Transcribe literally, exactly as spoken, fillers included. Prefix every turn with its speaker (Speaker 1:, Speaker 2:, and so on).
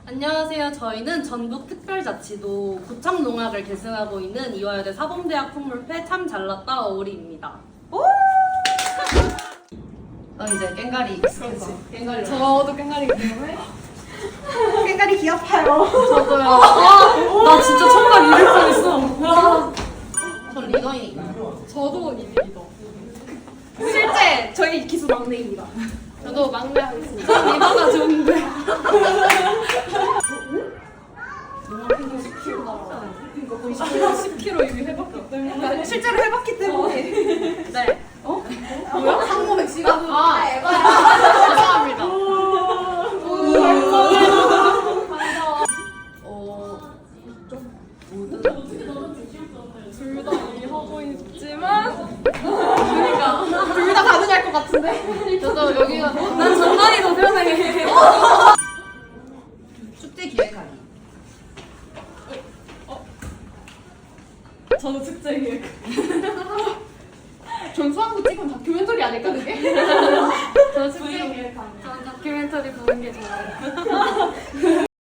Speaker 1: 안녕하세요. 저희는 전북특별자치도 고창농악을 계승하고 있는 이화여대 사범대학 풍물패 참 잘났다 어우리입니다. 넌 이제 깽가리 익숙해서 깽가리
Speaker 2: 저도 깽가리기 때문에
Speaker 3: 깽가리 귀 아파요.
Speaker 1: 저도요. 아, 나 진짜 청각 잃을 뻔했어. 전 리더이니까.
Speaker 2: 저도 이제 리더.
Speaker 3: 실제 저희 기수 막내입니다.
Speaker 2: 저도 막내 하겠습니다.
Speaker 1: 전 리더가 좋은데.
Speaker 2: 십 킬로그램 이미 해봤기 때문에.
Speaker 3: 실제로 해봤기 때문에.
Speaker 1: 네.
Speaker 3: 뭐야? 한 몸에 지금
Speaker 2: 아,
Speaker 3: 에바야.
Speaker 2: 죄송합니다.
Speaker 1: 어,
Speaker 2: 둘 다 이미 하고 있지만
Speaker 3: 그러니까 둘 다 가능할 것 같은데.
Speaker 2: 저도 여기가
Speaker 1: 난 장난이 더 편해. 축제 기획하기.
Speaker 2: 저도 축제 기획. 전 수학도 찍은 다큐멘터리 아닐까 그게? 저 축제 기획. 전 다큐멘터리 보는 게 좋아요.